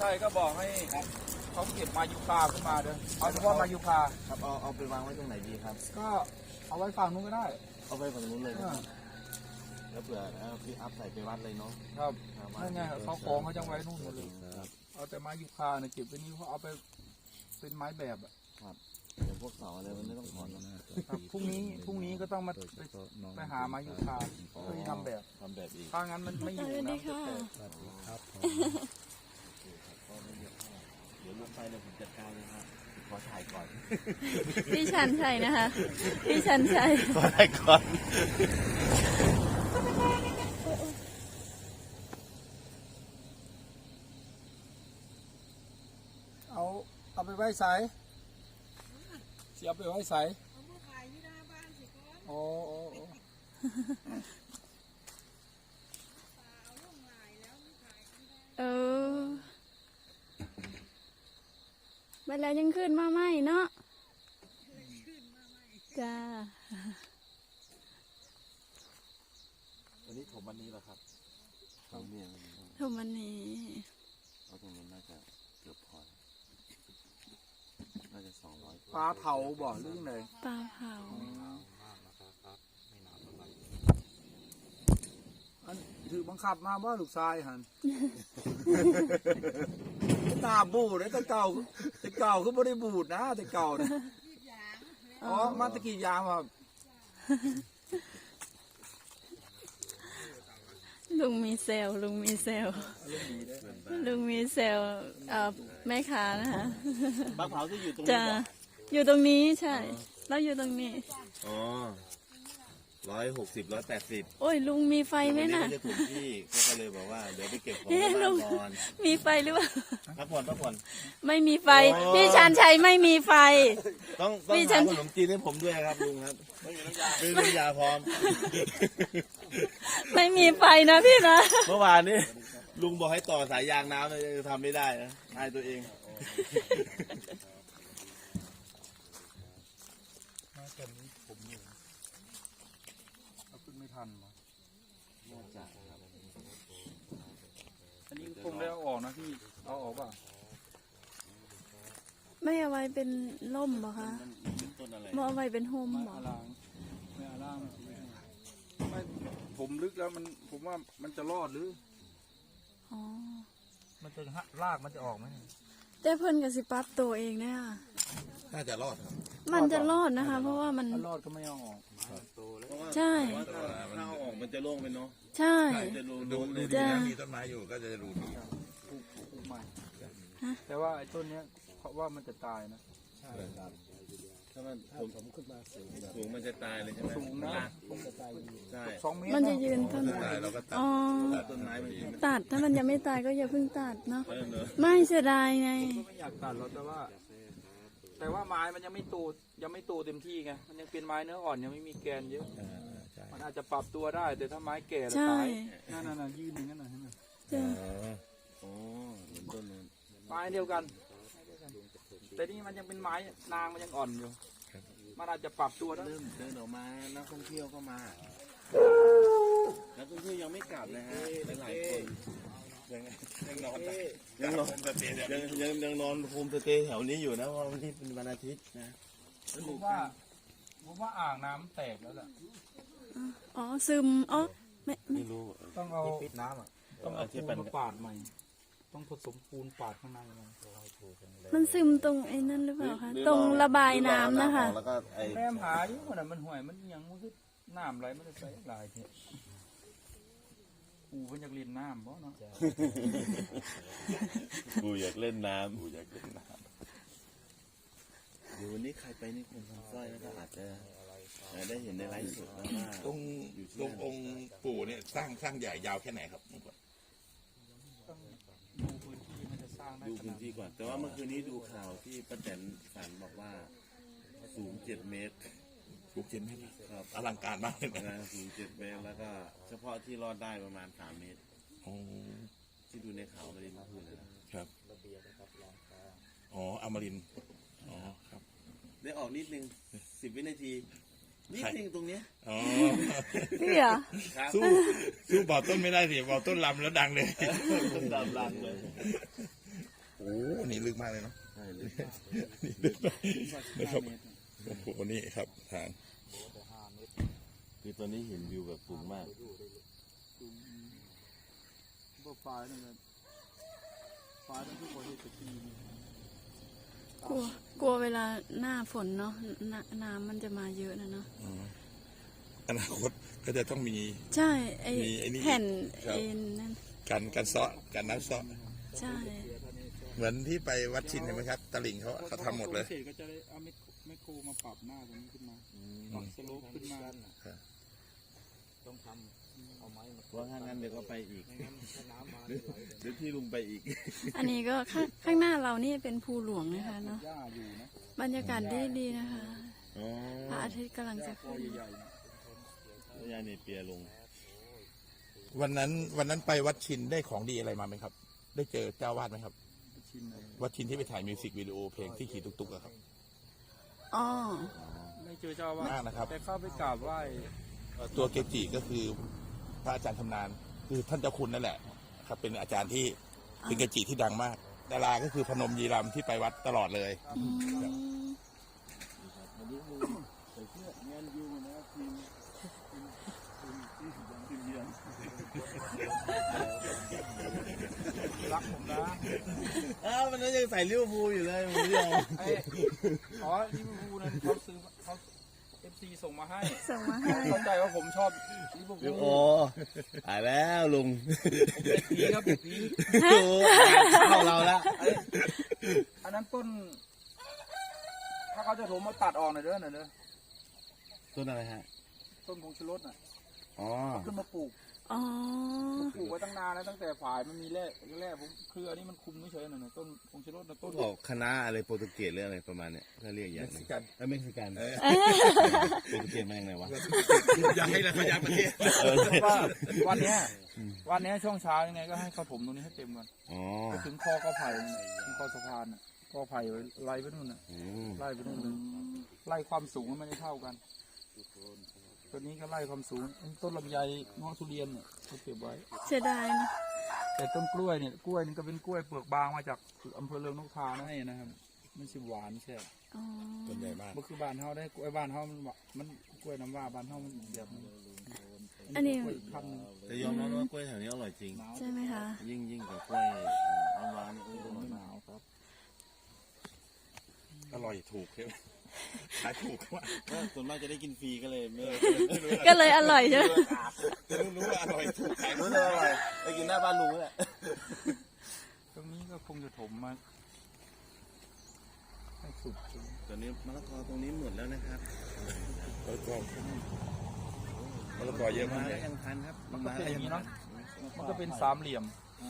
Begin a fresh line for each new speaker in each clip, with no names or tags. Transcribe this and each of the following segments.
ช่ก็บอกให้เขาเก็บมายุคาขึ้นมาเด้อเอาเฉพาะมายุคา
ครับเอาไปวางไว้ตรงไหนดีครับ
ก็เอาไว้ฝั่งนู้นก็ได้
เอาไปฝั่งนู้นเลยแล้วเผื่อพี่อัพใส่ไปวัดเลยเนาะ
ครับนั่นไงเขาของเขาจะไว้นู่นหมดเลยเอาแต่ไม้ยุคาเนี่ยเก็บไว้นี่เขาเอาไปเป็นไม้แบบอ่ะ
ครับเดี๋ยวพวกเสาอะไรมันไม่ต้องถอน
ครับพรุ่งนี้ก็ต้องมาไปหาไม้ยุคาเพื่อทำแบบ
อีก
ถ้างั้นมันไม่อยู่นะ
ครับ
เดี๋ยวลงไปเลยผมจัดการเลยครับขอถ่ายก่อน
พี่ชันชัยนะคะพี่ชันชัย
ขอถ่ายก่อน
เอาไปไว้ใส่เสียไปไว้ใส่โอ้
มาแล้วยังขึ้นมาไหมเนาะจ้า
วันนี้ถมวันนี้เหรอครับถมเนี่ย
ถมวันนี้
เอาตรงนั้นน่าจะเกือบพอน่าจะ200
ปลาเผาบ่อเรื่องเลย
ปลาเผา
ถือบังคับมาว่าลูกชายหันตาบูดเลยแต่เก่าคือไม่ได้บูดนะแต่เก่านะอ๋อมาตะกี้ยามครับ
ลุงมีเซลลุงมีเซลแม่ค้านะคะ
ปลาเผาที่อยู่ตรง
นี้อยู่ตรงนี้ใช่แล้วอยู่ตรงนี้
อ๋อ160 180
โอ้ยลุงมีไฟไหมน่ะ
จะถูกที่ก็เลยบอกว่าเดี๋ยวไปเก็บของก่อน
มีไฟหรือเปล่า
พักผ่อน
ไม่มีไฟพี่ชันชัยไม่มีไฟ
ต้องหาขนมจีนให้ผมด้วยครับลุงครับไม่มีน้ำยาพร้อม
ไม่มีไฟนะพี่นะ
เมื่อวานนี้ลุงบอกให้ต่อสายยางน้ำเลยทำไม่ได้นะอายตัวเอง
ไม่ทันอันนี้คงได้เอาออกนะพี่เอาออกป่ะ
ไม่เอาไว้เป็นล่มเหรอคะไม่เอาไว้เป็นโฮมเหรอ
ไม่อาล่างไม่ผมลึกแล้วผมว่ามันจะรอดหรือ
อ๋อ
มันจะรากมันจะออกไหม
แต่เพิ่นกับสิปั๊บตัวเองเนี่ย
น่าจะรอด
มันจะรอดนะคะเพราะว่ามัน
รอดก็ไม่เอาออก
ใช่
ถ้าเอาออกมันจะโล่งไปเนาะ
ใช่
ดูดีนะมีต้นไม้อยู่ก็จะดูดี
ปลูกใหม่แต่ว่าไอ้ต้นเนี้ยเพราะว่ามันจะตายนะ
ใช่ครับถ้ามันผมขึ้นมาสูงมันจะตายเลยใช่ไหม
สูงนะ
ใช่
2 เมตร
มันจะยืนต้น
อ๋อต้นไม้มัน
ตัดถ้ามันยังไม่ตายก็อย่าเพิ่งตัดเนาะไม่เสียดายไง
ไม่อยากตัดหรอกแต่ว่าไม้มันยังไม่โตเต็มที่ไงมันยังเป็นไม้เนื้ออ่อนยังไม่มีแกนเยอะมันอาจจะปรับตัวได้แต่ถ้าไม้แก่แล้วตายนั่นยืนอย่างนั้นนะเห็นไหม
อ๋อต้นนู้น
ไม้เดียวกันแต่นี่มันยังเป็นไม้นางมันยังอ่อนอยู่มันอาจจะปรับตัวได้
เริ่มเดินออกมานักท่องเที่ยวก็มานักท่องเที่ยวยังไม่กลับนะฮะหลายคนยังนอนโฮมสเตย์แถวนี้อยู่นะเพราะวันนี้เป็นวันอาทิตย์นะ
ผมว่าอ่างน้ำแตกแล้วแหละ
อ๋อซึมอ๋อ
ไม่รู้
ต้องเอาปิดน้ำอ่ะต้องเอาปูนมาปาดใหม่ต้องผสมปูนปาดข้างใน
มันซึมตรงไอ้นั่นหรือเปล่าคะตรงระบายน้ำนะคะ
แม่หาอยู่มันห่วยมันยังมันคือน้ำไหลมันจะใส่ลายเถอะปูมันอยากเล่นน้ำเพราะเนาะ
ปูอยากเล่นน้ำเดี๋ยววันนี้ใครไปนี่คนทำสร้อยก็อาจจะได้เห็นในไลฟ์สดแล้วว่า
ตรงองค์ปู่เนี่ยสร้างใหญ่ยาวแค่ไหนครับ
ดู
พื้นที่ก่อนแต่ว่าเมื่อคืนนี้ดูข่าวที่ป้าแตนฝันบอกว่าสูง7 เมตร
ครับอลังการมากเลย
นะสูง7 เมตรแล้วก็เฉพาะที่รอดได้ประมาณ3 เมตรที่ดูในข่าวมาดินพูดนะครับ
อ๋ออมรินทร์อ๋อครับ
ได้ออกนิดนึง10 วินาทีนิดนึงตรงเนี้ย
อ๋อ
พี่เหรอ
สู้บ่อต้นไม่ได้สิบ่อต้นลำแล้วดังเลย
ลำเลย
โอ้อันนี้ลึกมากเลยเนาะ
ใช่เลย
นี่ลึกมากนะครับโอ้โหนี่ครับทาง
คือตอนนี้เห็นวิวแบบสูงมาก
พวกปลาเนี่ยปลาต้องทุกคนที่จะตีนี่
กลัวเวลาหน้าฝนเนาะน้ำมันจะมาเยอะนะเนาะ
อนาคตก็จะต้องมี
ใช่ไอ้
มีไอ้นี่
แผ่น
ครับ
เอ็นนั่น
การเซาะการน้ำเซาะ
ใช่
เหมือนที่ไปวัดชินเห็นไหมครับตลิ่งเขาทำหมดเลย
เศษก็จะได้เอาแมคโครมาปรับหน้าตรงนี้ขึ้นมาปรับสโลปขึ้นมา
ต้องทำเอาไม้มา
เพราะถ้างั้นเดี๋ยวก็ไปอีก
ไม่งั้นถ้าน้ำมา
เดี๋ยวที่ลุงไปอีก
อันนี้ก็ข้างหน้าเรานี่เป็นภูหลวงนะคะเนาะ
หญ้าอยู่นะ
บรรยากาศดีนะคะ
อ๋อ
พระอาทิตย์กำลังจะ
ตัว
ขึ้น
ใหญ่ๆนะ
ยายเนี่ยเปียลง
วันนั้นไปวัดชินได้ของดีอะไรมาไหมครับ ได้เจอเจ้าวาดไหมครับ
ชิมเลย
วัดชินที่ไปถ่ายมิวสิกวิดีโอเพลงที่ขี่ตุกๆอะครับ
อ๋อ
ไม่เจอเจ้าว่าม
ากนะครับ
แต่เข้าไปกราบไหว้
ตัวเกจิก็คือพระอาจารย์ชำนาญคือท่านเจ้าคุณนั่นแหละครับเป็นอาจารย์ที่เป็นเกจิที่ดังมาก ดาราก็คือพนมยีรำที่ไปวัดตลอดเลย
อืม
วันนี้ลุงใส่เสื้องานยูนะทีมเยือน
รักผมนะ
อ้าวมันยังใส่ลิเวอร์พูลอยู่เลยผมไม่ยอม
ไอ้อ๋อลิเวอร์พูลนั้นเขาซื้อเขาFC ส่งมาให้
ส่งมาให้
เข้าใจว่าผมชอบลิเวอร์พู
โอ้
ล
ตายแล้วลุง
เป็นผีครับเป็นผี
โอ้เข้าเราละ
อันนั้นต้น ถ้าเขาจะถมมาตัดออกหน่อยเด้อ
ต้นอะไรฮะ
ต้นผงชูรสน่ะ
อ๋อ
ขึ้นมาปลูก
อ๋อ
ปลูกไว้ตั้งนานแล้วตั้งแต่ฝ่ายมันมีแร่ผมคืออันนี้มันคุมไม่เฉยหน่อยต้นผงชูรสนะต้น
บอกคณะอะไรโปรตุเกสหรืออะไรประมาณเนี้ยถ้าเรียกอย่าง
เม็ก
นั้
ซิ
น
กัน
เม็กซิกันโปรตุเกสมาอย่างไรวะ
อยากให้เราขยับประเทศ
ว่าวันเนี้ยช่วงเช้ายังไงก็ให้เขาถมตรงนี้ให้เต็มก่อน
อ๋อ
ไปถึงคอก็ไผ่นั่นน่ะถึงคอสะพานน่ะคอไผ่ไว้ไล่ไปนู่นน่ะ
อืม
ไล่ไปนู่นเลยไล่ความสูงมันไม่ได้เท่ากันตัวนี้ก็ไล่ความสูงต้นลำไยเงาะทุเรียนเนี่ยเขาเก็บไว้
เสียดายนะ
แต่ต้นกล้วยเนี่ยกล้วยนี่ก็เป็นกล้วยเปลือกบางมาจากอำเภอเรืองนกทานะให้นะครับไม่ใช่หวานใช่
อ๋อ
ต้นใหญ่มาก
มันคือบ้านเฮาได้กล้วยบ้านเฮามันกล้วยน้ำว่าบ้านเฮามันแบบนึง
อันนี้
กล้วยพันธุ์หนึ่ง
แต่ยอมรับว่ากล้วยแถวนี้อร่อยจริง
ใช่ไหมคะ
ยิ่งกับกล้วยน้ำว้านี่อร่อย
ห
มาก
นาวครับ
อร่อยถูกใช่ไหมขายถูกมาก
ก็ส่วนมากจะได้กินฟรีก็เลยไม่
ก็เลยอร่อยใช่ไหม
จะรู้ว่าอร่อยถูกขาย
รู้เลยอร่อยไปกินหน้าบ้านลุงนี่แหละ
ตรงนี้ก็คงจะถมมาให้สุด
ตอนนี้มะละกอตรงนี้หมดแล้วนะครับ
มะละกอเยอะมาก
ได้ยังทันครับ
มันก็เป็นอย่างนี้เนาะมันก็เป็นสามเหลี่ยม
อ๋อ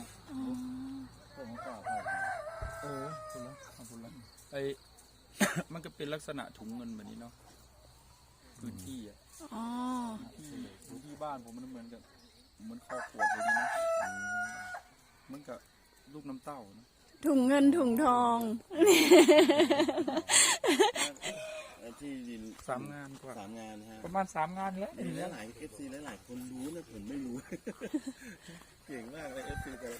คุณละขอบคุณละไอ มันก็เป็นลักษณะถุงเงินแบบนี้เนาะพื้นที่อะ
อ๋อ
พื้นที่บ้านผมมันเหมือนกับเหมือนคอขวดเลยนะเหมือนกับลูกน้ำเต้านะ
ถุงเงินถุงทอง
ที่ดิน
3 งานกว่า
3 งานนะฮะ
ประมาณ3 งานแล้ว
มีหลาย FC หลายๆคนรู้นะผมไม่รู้ เก่งมากเลย FC แต่ละ